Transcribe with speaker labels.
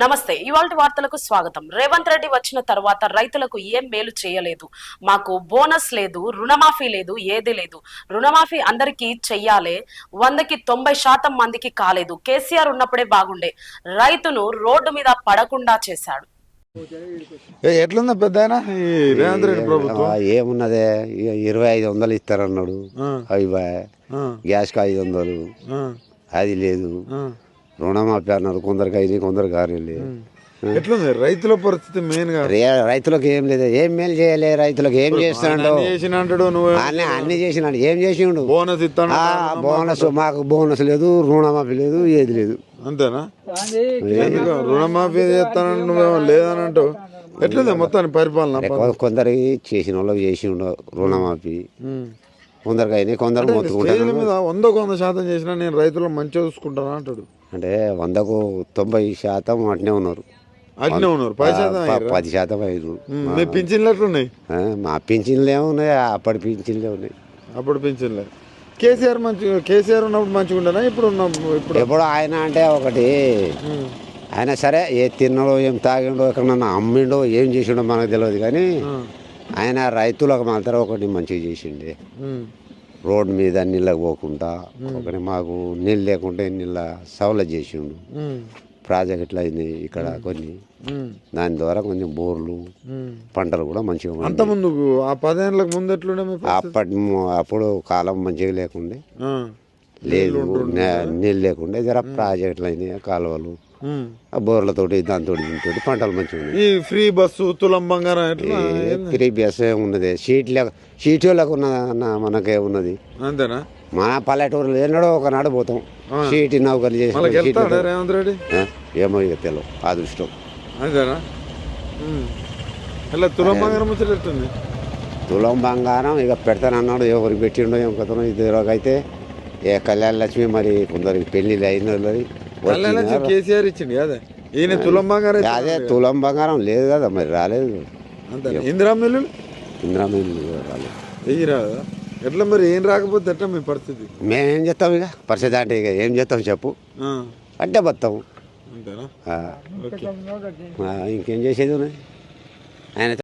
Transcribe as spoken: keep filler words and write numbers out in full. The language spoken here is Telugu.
Speaker 1: నమస్తే. ఇవాల్టి వార్తలకు స్వాగతం. రేవంత్ రెడ్డి వచ్చిన తర్వాత రైతులకు ఏం మేలు చేయలేదు, మాకు బోనస్ లేదు, రుణమాఫీ లేదు, ఏది లేదు. రుణమాఫీ అందరికీ చెయ్యాలే, వందకి తొంభై శాతం మందికి కాలేదు. కేసీఆర్ ఉన్నప్పుడే బాగుండే, రైతును రోడ్డు మీద పడకుండా చేశాడు.
Speaker 2: ఎట్లుందా పెద్ద రేవంత్ రెడ్డి ప్రభుత్వం?
Speaker 3: ఏమున్నదే, ఇరవై ఐదు వందలు ఇస్తారన్నాడు, అవి గ్యాస్కి ఐదు వందలు అది లేదు. రుణమాఫీ అన్నారు, కొందరికి అయినాయి, కొందరికి కాలేదు.
Speaker 2: ఎట్లుంది రైతుల పరిస్థితి? మెయిన్ గా
Speaker 3: రైతులకు ఏం లేదు, ఏం మేలు చేయలే. రైతులకు ఏం చేస్తున్నాడు? అన్ని అన్ని చేసినాడు, ఏం చేసిండు?
Speaker 2: బోనస్ ఇస్తాడు.
Speaker 3: బోనస్ మాకు బోనస్ లేదు, రుణమాఫీ లేదు, ఏది లేదు.
Speaker 2: అంతేనా? రుణమాఫీ చేస్తానని నువ్వేమో లేదని అంటావు. ఎట్లుంది మొత్తాన్ని పరిపాలన?
Speaker 3: కొందరికి చేసిన వాళ్ళకి చేసిండు రుణమాఫీ, కొందరికి అయినాయి, కొందరు మొత్తుకుంటారు.
Speaker 2: మీద వందకు వంద శాతం చేసినా నేను రైతులను మంచిగా చూసుకుంటాను అంటాడు.
Speaker 3: అంటే వందకు తొంభై శాతం అట్నే ఉన్నారు,
Speaker 2: అట్నే ఉన్నారు. పది శాతం
Speaker 3: పది శాతం ఐదు.
Speaker 2: మీ పింఛన్లు ఎట్లున్నాయి?
Speaker 3: మా పింఛన్లు ఏమున్నాయి, అప్పటి పింఛన్లే ఉన్నాయి.
Speaker 2: అప్పుడు పింఛన్లే. కేసీఆర్ మంచిగా, కేసీఆర్ ఉన్నప్పుడు మంచిగా ఉండనా? ఇప్పుడు ఇప్పుడు
Speaker 3: ఎప్పుడు ఆయన అంటే ఒకటి, ఆయన సరే ఏ తిన్నాడో ఏం తాగిండో ఎక్కడన్నా అమ్మిండో ఏం చేసిండో మనకు తెలియదు, కానీ ఆయన రైతులకు మాత్రం ఒకటి మంచిగా చేసిండే. రోడ్డు మీద నీళ్ళకి పోకుండా ఒకటి మాకు నీళ్ళు లేకుంటే నీళ్ళ సవలత్ చేసిండు. ప్రాజెక్టులు అయినాయి ఇక్కడ కొన్ని, దాని ద్వారా కొంచెం బోర్లు పంటలు కూడా మంచిగా.
Speaker 2: అంత ముందు ఆ పదేళ్ళకి ముందు ఎట్లుండే?
Speaker 3: అప్పటి అప్పుడు కాలం మంచిగా లేకుండే, లేదు నీళ్ళు లేకుండే. జర ప్రాజెక్టులు అయినాయి, కాలువలు, బోర్లతోటి దాంతో దీంతో పంటలు మంచిగా ఉన్నాయి.
Speaker 2: ఈ ఫ్రీ బస్సు, తులం బంగారం,
Speaker 3: ఫ్రీ బస్ ఉన్నది. సీట్ లేక సీట్లకు ఉన్నదన్న మనకే ఉన్నది.
Speaker 2: అంతేనా?
Speaker 3: మన పల్లెటూరులో ఎన్నడో ఒకనాడు పోతాం, సీట్ నౌకర్లు చేసి.
Speaker 2: రేవంత్ రెడ్డి
Speaker 3: ఏమో ఇక తెలియదు, అదృష్టం.
Speaker 2: అంతేనా? ఇలా తులం బంగారం వచ్చేటట్టుంది.
Speaker 3: తులం బంగారం ఇక పెడతానన్నాడు, ఎవరికి పెట్టిండో ఏం కథనో. ఇదివరకైతే ఏ కళ్యాణ లక్ష్మి, మరి కొందరికి పెళ్లిళ్ళు అయిన
Speaker 2: కేసీఆర్ ఇచ్చింది కదా, ఈయన తులం బంగారం.
Speaker 3: అదే తులం బంగారం లేదు కదా, మరి రాలేదు.
Speaker 2: ఇందిరా మిల్లు,
Speaker 3: ఇందిరా మిల్లు రాలేదు.
Speaker 2: వెయ్యి రాదా? ఎట్లా మరి? ఏం రాకపోతే ఎట్లా మీ పరిస్థితి?
Speaker 3: మేమేం చేస్తాం ఇక పరిస్థితి అంటే, ఇక ఏం చేస్తాం చెప్పు, అంటే బతాం.
Speaker 2: అంతేనా?
Speaker 3: ఇంకేం చేసేది ఉన్నాయి ఆయన.